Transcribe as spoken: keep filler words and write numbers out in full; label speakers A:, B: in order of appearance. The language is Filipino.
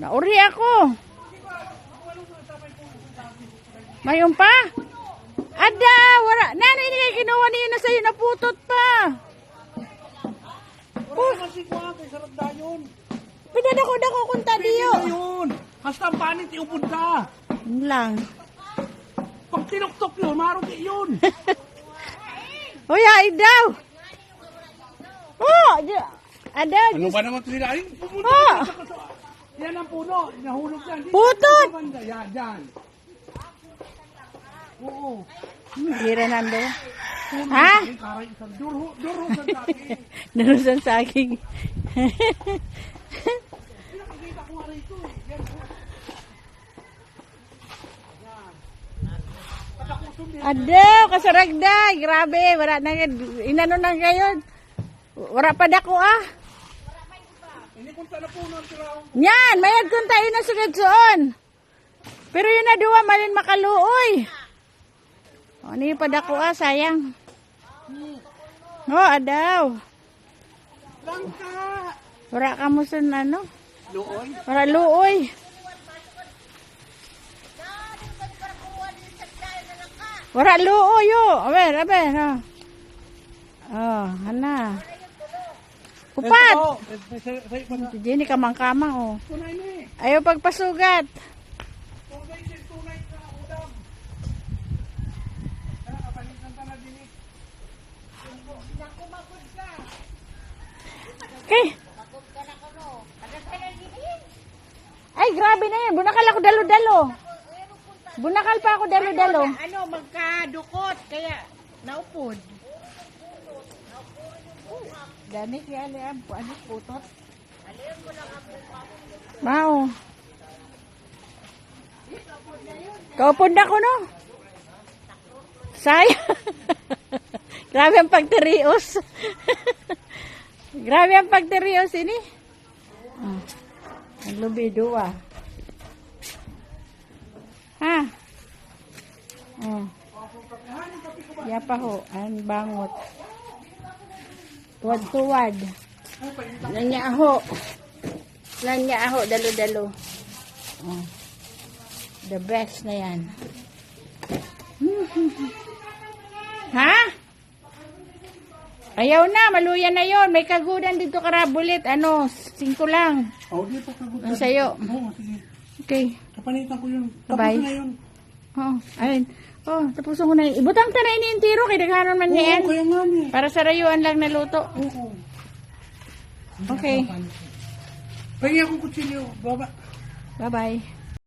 A: Nauri ako. Mayon pa? Ada, wala. Nani ini kay kinuha niya na sa'yo, naputot pa.
B: Wala kasi ko kay sarap dayon.
A: Pinadako dako kunta diyo.
B: Yun. Hasta ang panit iupod ka.
A: Yun lang.
B: Pag tinuktok yun, marot yun.
A: Hoy, ay daw. Oh, di- ada.
B: Ano ba naman ito nila? Ay, pumunta
A: Oh.
B: ka sa kaso. Yan ang puno. Nahulog yan. Dito,
A: Putot!
B: sa banda. Yan, yan. Oo.
A: Gira nando.
B: Puno.
A: Ha?
B: Ay, karay isang durho. Durho sa dati.
A: Narusan sa akin.
B: Pinakikita ko nga rito. eh. Yan.
A: Ada, kasaragday. Grabe, wala na inano na ngayon. Wala pa dako ah.
B: Ini punta na puno ang tiraw.
A: Yan, mayad kung tayo na sugad soon. Pero yun na duwa, malin makaluoy. O, ano yung padako ah, sayang. O, oh, adaw.
B: Langka.
A: Wala ka mo sa ano?
B: Looy.
A: Wala luoy. Wala luoy oh. Aber, aber. Oh, oh hana. Upat.
B: Ito, ito, ito, ito, ito.
A: Diyan ni kamang-kamang oh.
B: Tunay na eh.
A: Ayaw pagpasugat.
B: Tunay din, tunay na udang. Ah, kapalitan ka na din eh.
A: Okay. Ay, grabe na yan. Bunakal ako dalo-dalo. Bunakal pa ako dalo-dalo.
C: Ano, magkadukot, kaya naupod.
A: Dami kaya ano, ano putot. Mao. Kaupod na ko no. Sayang. Grabe ang pagterios. Grabe ang pagterios ini. Oh. Ang lubido ah. Ha? Oh. Yapa ho, ang bangot. Tuwad-tuwad. Nanya aho. Nanya aho, dalo-dalo. Oh. The best na yan. Ha? Ayaw na, maluyan na yon. May kagudan dito karabulit. Ano, singko lang.
B: Oh, di pa kagutan.
A: Ang sayo.
B: Oo, sige.
A: Okay.
B: Kapanitan ko yun. Tapos
A: Bye.
B: na yun.
A: Oh, ayun. Oh, tapos ko na. Ibutang ta na iniintiro kay daghanon man
B: Oo,
A: yan.
B: kaya nga ni.
A: Para sa rayuan lang naluto.
B: Oo.
A: Okay.
B: Pahingi akong kutsilyo. Baba.
A: Bye-bye.